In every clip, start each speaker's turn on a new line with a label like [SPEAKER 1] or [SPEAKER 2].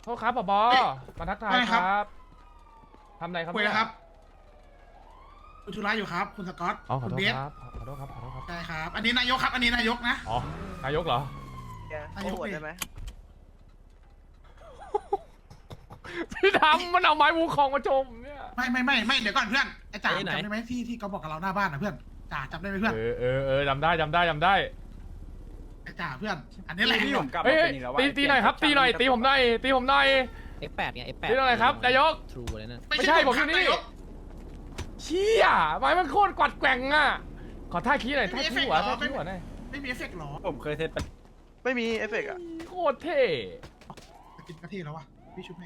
[SPEAKER 1] โทษครับผบมาทักทายครับทำไรครับ
[SPEAKER 2] คุยแล้วครับคุณชุระอยู่ครับคุณสกอต
[SPEAKER 1] อ๋อขอ
[SPEAKER 2] คุณ
[SPEAKER 1] โทษ
[SPEAKER 2] เบส
[SPEAKER 1] ครับขอโทษครับขอโทษครับ
[SPEAKER 2] ใช่ครับอันนี้นายกครับอันนี้นายกนะ
[SPEAKER 1] อ๋อนายกเหรอ
[SPEAKER 2] นายก
[SPEAKER 3] โหวตได้ไหม
[SPEAKER 1] พี่ดำมันเอาไม้วูคองมาโจมเนี่ย
[SPEAKER 2] ไม่เดี๋ยวก่อนเพื่อนไอ้จ่าจำได้ไหมที่เขาบอกกับเราหน้าบ้านนะเพื่อนจ่าจำได้ไหมเพื่อน
[SPEAKER 1] จำได้จำได้
[SPEAKER 2] ไอ้จ่าเพื่อน อันนี้แหละ
[SPEAKER 4] พี่ผมกลับ
[SPEAKER 1] เฮ้
[SPEAKER 4] มาย เป็นอีกแล้ว
[SPEAKER 1] ตีหน่อยครับตีหน่อยตีผมหน่อยตีผมหน่อย
[SPEAKER 5] F8 ไง F8
[SPEAKER 1] ตีหน่อยครับนายก
[SPEAKER 5] ทรูเลยนะ
[SPEAKER 1] ไม่ใช่ผมอยู่นี่
[SPEAKER 2] นายก
[SPEAKER 1] เชี่ยไม้มันโคตรกวัดแกว่งอ่ะขอท่าขี้หน่อยท่าขี้หัวท่าขี้หัวหน่อย
[SPEAKER 2] ไม่มีเอฟเฟกต์หรอ
[SPEAKER 4] ผมเคยเซตไป
[SPEAKER 3] ไม่มีเอฟเฟกต์อ่ะ
[SPEAKER 1] โคตรเท่
[SPEAKER 2] กินกะทิแล้ววะพี่ชุบให้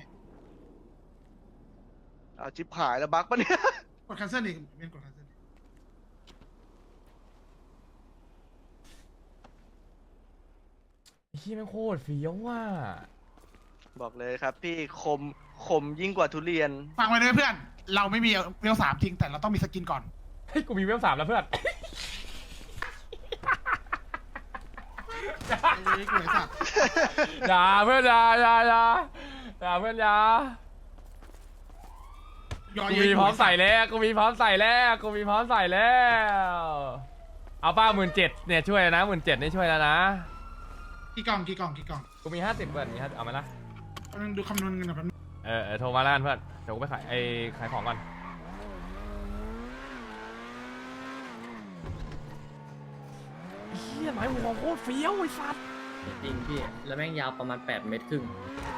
[SPEAKER 3] เอาจิบหายแล้วบั๊กปะเนี่ย
[SPEAKER 2] กด cancel อีกเป็นกด cancel
[SPEAKER 1] เฮียมันโคตรเฟี้ยวว่ะ
[SPEAKER 3] บอกเลยครับพี่คมยิ่งกว่าทุเรียน
[SPEAKER 2] ฟังไว้เลยเพื่อน เราไม่มีเวล3จริงแต่เราต้องมีสกินก่อน
[SPEAKER 1] เฮ้ยกูมีเวล3แล้วเพื่อน
[SPEAKER 2] ไอ้กูไอ้สัตว์
[SPEAKER 1] อย่าเพื่อนอย่าเพื่อนอย่า
[SPEAKER 2] ยอ
[SPEAKER 1] กู
[SPEAKER 2] เยอะ
[SPEAKER 1] มีพร้อมใส่แล้วกูมีพร้อมใส่แล้วเอาป้า17,000เนี่ยช่วยนะ17,000นี่ช่วยแล้วนะ
[SPEAKER 2] กี่กล่อง
[SPEAKER 1] กูมี50เพื่อนมี50เอาไหมล่ะ
[SPEAKER 2] กำลังดูคำนวณเงินแบบ
[SPEAKER 1] โทรมาแล้วกันเพื่อนเดี๋ยวกูไปขายของก่อนเฮียไม้หัวโคตรเฟี้ยวไอ้สัส
[SPEAKER 6] จริงพี่ แล้วแม่งยาวประมาณ8 เมตรครึ่ง